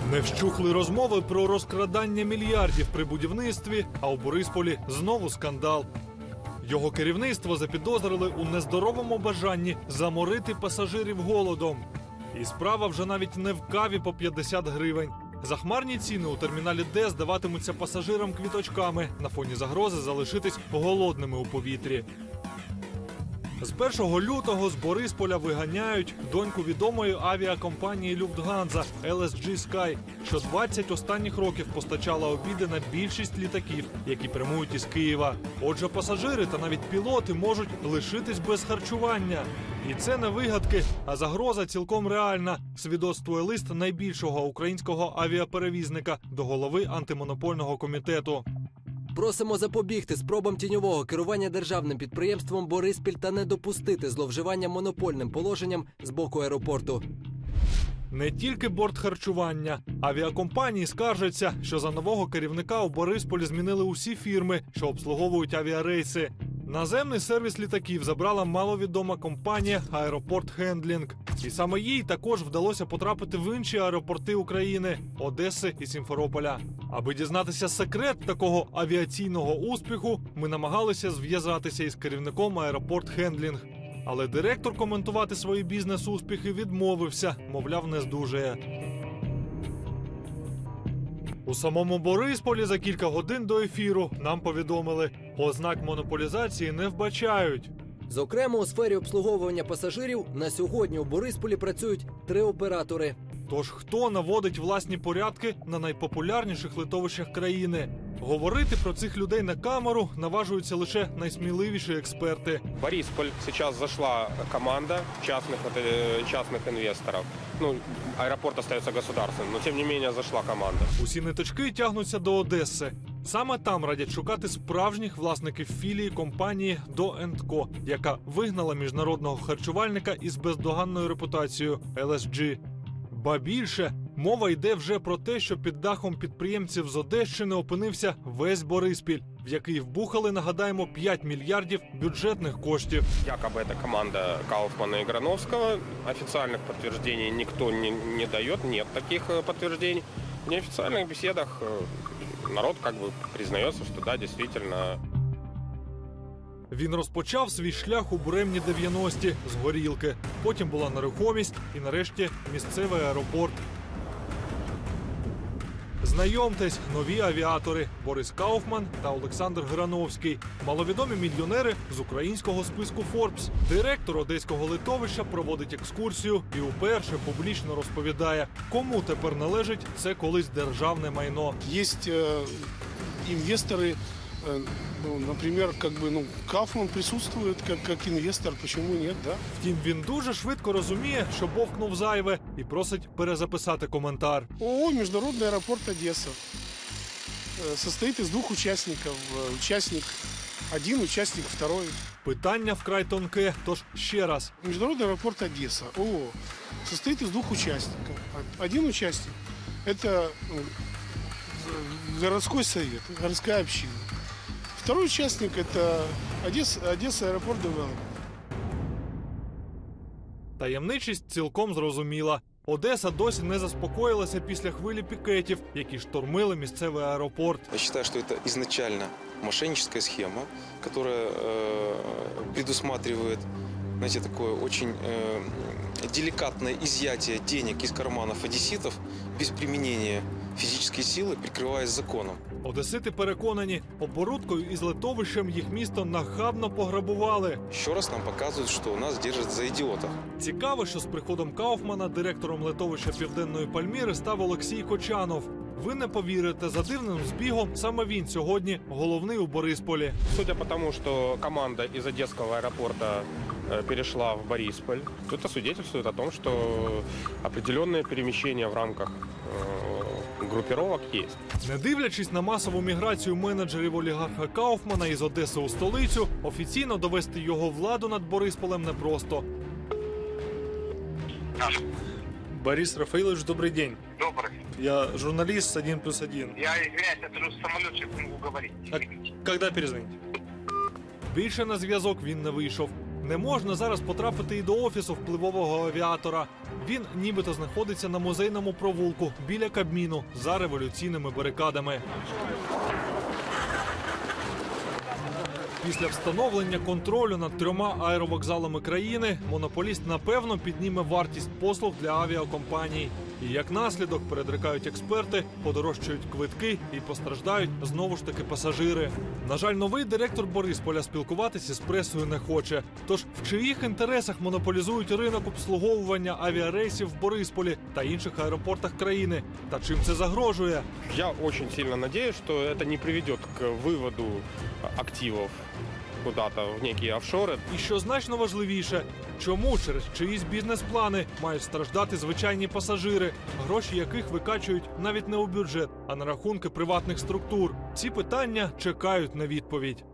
Не вщухли розмови про розкрадання мільярдів при будівництві, а у Борисполі знову скандал. Його керівництво запідозрили у нездоровому бажанні заморити пасажирів голодом. І справа вже навіть не в каві по 50 гривень. Захмарні ціни у терміналі Д здаватимуться пасажирам квіточками на фоні загрози залишитись голодними у повітрі. З 1 лютого з Борисполя виганяють доньку відомої авіакомпанії «Люфтганза» LSG Sky, що 20 останніх років постачала обіди на більшість літаків, які прямують із Києва. Отже, пасажири та навіть пілоти можуть лишитись без харчування. І це не вигадки, а загроза цілком реальна, свідоцтвує лист найбільшого українського авіаперевізника до голови антимонопольного комітету. Просимо запобігти спробам тіньового керування державним підприємством «Бориспіль» та не допустити зловживання монопольним положенням з боку аеропорту. Не тільки бортхарчування. Авіакомпанії скаржаться, що за нового керівника у Борисполі змінили усі фірми, що обслуговують авіарейси. Наземний сервіс літаків забрала маловідома компанія «Аеропорт Хендлінг». І саме їй також вдалося потрапити в інші аеропорти України – Одеси і Сімферополя. Аби дізнатися секрет такого авіаційного успіху, ми намагалися зв'язатися із керівником «Аеропорт Хендлінг». Але директор коментувати свої бізнес-успіхи відмовився, мовляв, не здужує. У самому Борисполі за кілька годин до ефіру нам повідомили, ознак монополізації не вбачають. Зокрема, у сфері обслуговування пасажирів на сьогодні у Борисполі працюють 3 оператори. Тож хто наводить власні порядки на найпопулярніших литовищах країни? Говорити про цих людей на камеру наважуються лише найсміливіші експерти. В Борисполь сейчас зашла команда частных инвесторов. Аэропорт остается государственным, но тем не менее зашла команда. Усі ниточки тягнуться до Одеси. Саме там радять шукати справжніх власників філії компанії «До енд Ко», яка вигнала міжнародного харчувальника із бездоганною репутацією LSG. Ба більше, мова йде вже про те, що під дахом підприємців з Одещини опинився весь Бориспіль, в який вбухали, нагадаємо, 5 мільярдів бюджетних коштів. Якобы это команда Кауфмана и Грановского. Официальных подтверждений никто не дает, нет таких подтверждений. В неофициальных беседах народ признается, что да, действительно. Він розпочав свій шлях у буремні 90-ті з горілки. Потім була нерухомість і, нарешті, місцевий аеропорт. Знайомтесь, нові авіатори – Борис Кауфман та Олександр Грановський. Маловідомі мільйонери з українського списку Forbes. Директор одеського литовища проводить екскурсію і уперше публічно розповідає, кому тепер належить це колись державне майно. Є інвестори, наприклад, Кауфман присутствует как инвестор, почему нет, да? Втім, він дуже швидко розуміє, що бовкнув зайве і просить перезаписати коментар. ООО «Международный аэропорт Одесса» состоит из 2 участников. Участник один, участник второй. Питання вкрай тонке, тож ще раз. Международный аэропорт Одесса, ООО, состоит из 2 участников. Один участник – это городской совет, городская община. Второй участник – это Одесса аэропорт Девелопмент. Таємничість цілком зрозуміла. Одеса досі не заспокоїлася після хвилі пікетів, які штурмили місцевий аеропорт. Я считаю, что это изначально мошенническая схема, которая предусматривает, знаете, такое очень деликатное изъятие денег из карманов одесситов без применения фізичної сили, прикриваясь законом. Одесити переконані, оборудкою із литовищем їх місто нахабно пограбували. Ще раз нам показують, що нас держать за ідіотів. Цікаво, що з приходом Кауфмана директором литовища Південної Пальміри став Олексій Кочанов. Ви не повірите, за дивним збігом саме він сьогодні головний у Борисполі. Судя по тому, что команда из Одесского аэропорта перешла в Борисполь, это свидетельствует о том, что определенные перемещения в рамках группировок есть. Не дивлячись на масову міграцію менеджерів олігарха Кауфмана із Одеси у столицю, офіційно довести його владу над Борисполем непросто. Борис Рафаилович, добрый день. Добрый. Я журналист 1+1. Я извиняюсь, я сажусь в самолет, сейчас не могу говорить. А когда перезвонить? Більше на зв'язок він не вийшов. Не можна зараз потрапити і до офісу впливового авіатора. Він нібито знаходиться на Музейному провулку біля Кабміну за революційними барикадами. Після встановлення контролю над 3 аеровокзалами країни монополіст напевно підніме вартість послуг для авіакомпаній. І як наслідок, передрикають експерти, подорожчають квитки і постраждають знову ж таки пасажири. На жаль, новий директор Борисполя спілкуватися з пресою не хоче. Тож в чиїх інтересах монополізують ринок обслуговування авіарейсів в Борисполі та інших аеропортах країни? Та чим це загрожує? Я очень сильно надеюсь, что это не приведет к выводу активов куда-то в некие офшоры. І що значно важливіше, чому через чиїсь бізнес-плани мають страждати звичайні пасажири, гроші яких викачують навіть не у бюджет, а на рахунки приватних структур? Ці питання чекають на відповідь.